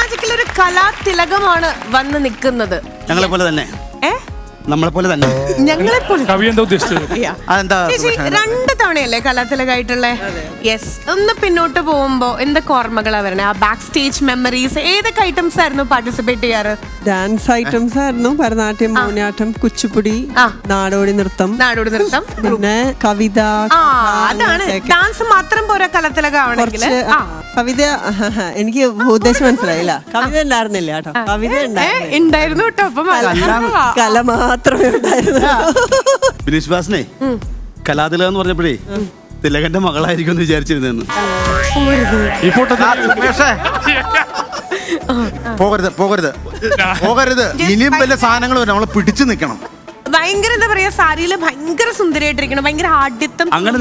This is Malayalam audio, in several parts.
മാജിക്കിൽ ഒരു കലാതിലകമാണ് വന്ന് നിൽക്കുന്നത്. ഞങ്ങളെ പോലെ തന്നെ. നമ്മളെ പോലെ തന്നെ. ഞങ്ങളെ പോലെ. കവി എന്താ ഉദ്ദേശിച്ചത്? ചേച്ചി 2 തവണയല്ലേ കലാതിലകായിട്ടുള്ള? യെസ്. ഒന്ന് പിന്നോട്ട് പോകുമ്പോ എന്തൊക്കെ ഓർമ്മകളാ വരണേ? ആ ബാക്ക് സ്റ്റേജ് മെമ്മറീസ് ഏതൊക്കെ ഐറ്റംസ് ആയിരുന്നു പാർട്ടിസിപ്പേറ്റ് ചെയ്യാറ്? ഡാൻസ് ഐറ്റംസ് ആയിരുന്നു. ഭരതനാട്യം, മോഹിനിയാട്ടം, കുച്ചിപ്പുടി, നാടോടി നൃത്തം. പിന്നെ കവിത. അതാണ് ഡാൻസ് മാത്രം പോരാ കലാതിലകാവണമെങ്കിൽ. കവിത എനിക്ക് ഉദ്ദേശം മനസ്സിലായില്ല. കവിത ഉണ്ടായിരുന്നില്ല കേട്ടോ. കവിത ഉണ്ടായിരുന്നു കേട്ടോ. അപ്പം കല മാത്രമേ ഉണ്ടായിരുന്നു. ബിനീഷ് ബാസിനെ കലാതിലകം എന്ന് പറഞ്ഞപ്പോഴേ തിലകന്റെ മകളായിരിക്കും എന്ന് വിചാരിച്ചിരുന്നു. പോകരുത് പോകരുത് പോകരുത്. ഇനിയും വലിയ സാധനങ്ങൾ വരും. നമ്മള് പിടിച്ചു നിൽക്കണം. ഭയങ്കര എന്താ പറയാ, സാരിയില് ഭയങ്കര സുന്ദരിയായിട്ടിരിക്കണം. ഭയങ്കര ആഢ്യത്വം. അങ്ങനെ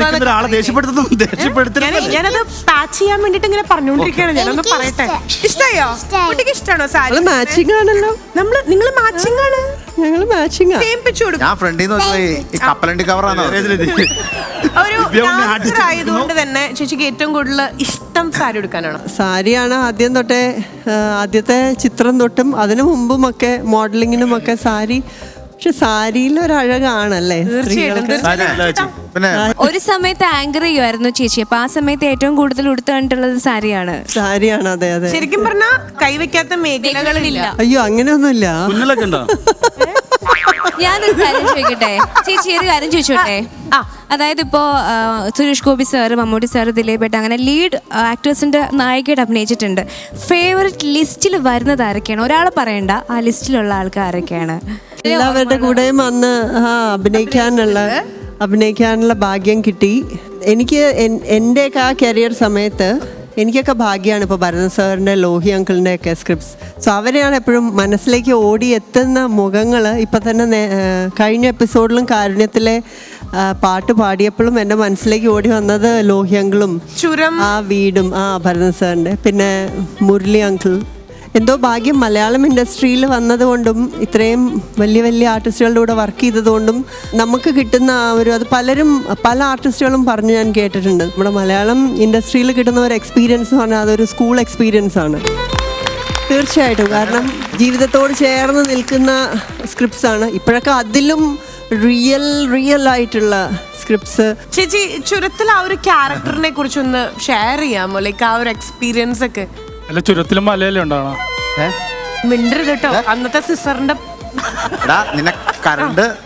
ഞാനത് പാച്ച് ചെയ്യാൻ വേണ്ടിട്ട് ഇങ്ങനെ പറഞ്ഞോണ്ടിരിക്കുകയാണ്. ഞാനൊന്ന് പറയട്ടെ. ഇഷ്ടായോ? കുട്ടിക്ക് ഇഷ്ടമാണോ സാരി? മാച്ചിങ് ആണല്ലോ. നിങ്ങൾ മാച്ചിങ് ആണ്. ഞങ്ങള് മാച്ചിങ് സെയിം പിച്ച് കൊടുക്കും. ഞാൻ ഫ്രണ്ടിൽ നിന്ന് കപ്പലണ്ടി കവറാണ്. ഒരു ഡാൻസർ ആയതുകൊണ്ട് തന്നെ ചേച്ചിക്ക് ഏറ്റവും കൂടുതൽ ഇഷ്ടം സാരി എടുക്കാനാണ്? സാരിയാണ് ആദ്യം തൊട്ടേ. ആദ്യത്തെ ചിത്രം തൊട്ടും അതിനു മുമ്പുമൊക്കെ മോഡലിങ്ങിനും ഒക്കെ സാരി. പക്ഷെ സാരിയിൽ ഒരു അഴകാണല്ലേ പിന്നെ ഒരു സമയത്ത് ആങ്കർ ചെയ്യുമായിരുന്നു ചേച്ചി. അപ്പൊ ആ സമയത്ത് ഏറ്റവും കൂടുതൽ ഉടുത്തു കണ്ടിട്ടുള്ളത് സാരിയാണ്. അതെ അതെ. ശരിക്കും പറഞ്ഞാ കൈവയ്ക്കാത്ത മേഖലകളില്ല. അയ്യോ അങ്ങനെയൊന്നുമില്ല. ഞാനൊരു കാര്യം ചോദിക്കട്ടെ ചേച്ചി, ഒരു കാര്യം ചോദിച്ചോട്ടെ. അതായത് ഇപ്പോ സുരേഷ് ഗോപി സാറ്, മമ്മൂട്ടി സാറ്, ദിലീപേട്ട അങ്ങനെ ലീഡ് ആക്ടേഴ്സിന്റെ നായികയായിട്ട് അഭിനയിച്ചിട്ടുണ്ട്. ഫേവറേറ്റ് ലിസ്റ്റിൽ വരുന്നത് ആരൊക്കെയാണ്? ഒരാളെ പറയണ്ട, ആ ലിസ്റ്റിലുള്ള ആൾക്കാർ ആരൊക്കെയാണ്? എല്ലാവരുടെ കൂടെയും അന്ന് അഭിനയിക്കാനുള്ള ഭാഗ്യം കിട്ടി എനിക്ക്. എൻ്റെയൊക്കെ ആ കരിയർ സമയത്ത് എനിക്കൊക്കെ ഭാഗ്യമാണ് ഇപ്പോൾ ഭരതൻ സാറിൻ്റെ, ലോഹി അങ്കിളിൻ്റെ ഒക്കെ സ്ക്രിപ്റ്റ്സ്. സോ അവരെയാണ് എപ്പോഴും മനസ്സിലേക്ക് ഓടി എത്തുന്ന മുഖങ്ങൾ. ഇപ്പം തന്നെ കഴിഞ്ഞ എപ്പിസോഡിലും കാരുണ്യത്തിലെ പാട്ട് പാടിയപ്പോഴും എൻ്റെ മനസ്സിലേക്ക് ഓടി വന്നത് ലോഹി അങ്കിളും ആ വീടും ഭരതൻ സാറിൻ്റെ, പിന്നെ മുരളി അങ്കിൾ. എന്തോ ഭാഗ്യം മലയാളം ഇൻഡസ്ട്രിയിൽ വന്നതുകൊണ്ടും ഇത്രയും വലിയ വലിയ ആർട്ടിസ്റ്റുകളുടെ കൂടെ വർക്ക് ചെയ്തതുകൊണ്ടും നമുക്ക് കിട്ടുന്ന ആ ഒരു, അത് പല ആർട്ടിസ്റ്റുകളും പറഞ്ഞ് ഞാൻ കേട്ടിട്ടുണ്ട്. നമ്മുടെ മലയാളം ഇൻഡസ്ട്രിയിൽ കിട്ടുന്ന ഒരു എക്സ്പീരിയൻസ് എന്ന് പറഞ്ഞാൽ അതൊരു സ്കൂൾ എക്സ്പീരിയൻസ് ആണ് തീർച്ചയായിട്ടും. കാരണം ജീവിതത്തോട് ചേർന്ന് നിൽക്കുന്ന സ്ക്രിപ്റ്റ്സ് ആണ്. ഇപ്പോഴൊക്കെ അതിലും റിയൽ ആയിട്ടുള്ള സ്ക്രിപ്റ്റ്സ്. ചേച്ചി ചുരത്തിൽ ആ ഒരു ക്യാരക്ടറിനെ കുറിച്ചൊന്ന് ഷെയർ ചെയ്യാമോ? ലൈക്ക് ആ ഒരു എക്സ്പീരിയൻസ് ഒക്കെ. അല്ല, ചുരത്തിലും മലയല്ലേ ഉണ്ടാവണം. മിണ്ടരുത് കേട്ടോ. അന്നത്തെ സിസ്റ്ററിന്റെ കറണ്ട്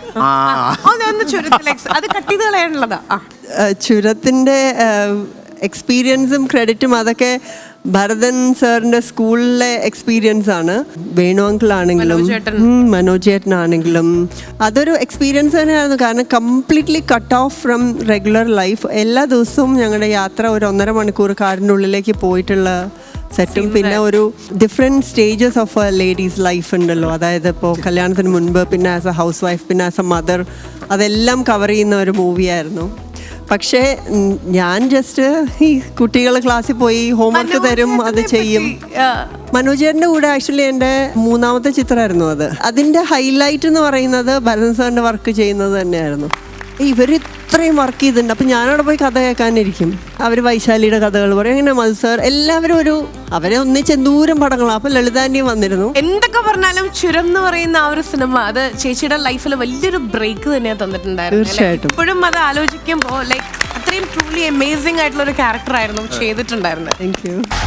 അത് കട്ട് ചെയ്ത് കളയാനുള്ളതാ. ചുരത്തിന്റെ എക്സ്പീരിയൻസും ക്രെഡിറ്റും അതൊക്കെ ഭരതൻ സാറിന്റെ സ്കൂളിലെ എക്സ്പീരിയൻസ് ആണ്. വേണു അങ്കിൾ ആണെങ്കിലും മനോജ് ചേട്ടനാണെങ്കിലും അതൊരു എക്സ്പീരിയൻസ് തന്നെയായിരുന്നു. കാരണം completely cut off from regular life. എല്ലാ ദിവസവും ഞങ്ങളുടെ യാത്ര ഒരു 1.5 മണിക്കൂർ കാടിൻ്റെ ഉള്ളിലേക്ക് പോയിട്ടുള്ള സെറ്റും, പിന്നെ ഒരു different stages of a ladies life ഉണ്ടല്ലോ. അതായത് ഇപ്പോൾ കല്യാണത്തിന് മുൻപ്, പിന്നെ ആസ് എ ഹൗസ് വൈഫ്, പിന്നെ ആസ് എ മദർ, അതെല്ലാം കവർ ചെയ്യുന്ന ഒരു മൂവിയായിരുന്നു. പക്ഷേ ഞാൻ ജസ്റ്റ് ഈ കുട്ടികൾ ക്ലാസ്സിൽ പോയി ഹോംവർക്ക് തരും, അത് ചെയ്യും. മനോജേട്ടൻ്റെ കൂടെ ആക്ച്വലി എൻ്റെ 3ാമത്തെ ചിത്രമായിരുന്നു അത്. അതിൻ്റെ ഹൈലൈറ്റ് എന്ന് പറയുന്നത് ഭരതൻ സാറിൻ്റെ വർക്ക് ചെയ്യുന്നത് തന്നെയായിരുന്നു. ഇവർ ഇത്രയും വർക്ക് ചെയ്തിട്ടുണ്ട്. അപ്പം ഞാനവിടെ പോയി കഥ കേൾക്കാനിരിക്കും. അവർ വൈശാലിയുടെ കഥകൾ പറയും. അങ്ങനെ മധു സാർ എല്ലാവരും അവരെ ഒന്നിച്ച് എന്തൂരം പടങ്ങളാണ്. അപ്പം ലളിതാൻ്റെയും വന്നിരുന്നു. എന്തൊക്കെ പറഞ്ഞാലും ചുരം എന്ന് പറയുന്ന ആ ഒരു സിനിമ അത് ചേച്ചിയുടെ ലൈഫിൽ വലിയൊരു ബ്രേക്ക് തന്നെയാണ് തന്നിട്ടുണ്ടായിരുന്നു. തീർച്ചയായിട്ടും. ഇപ്പോഴും അത് ആലോചിക്കുമ്പോൾ ലൈക്ക് അത്രയും ട്രൂലി അമേസിംഗ് ആയിട്ടുള്ള ഒരു ക്യാരക്ടർ ആയിരുന്നു ചെയ്തിട്ടുണ്ടായിരുന്നത്. Thank U.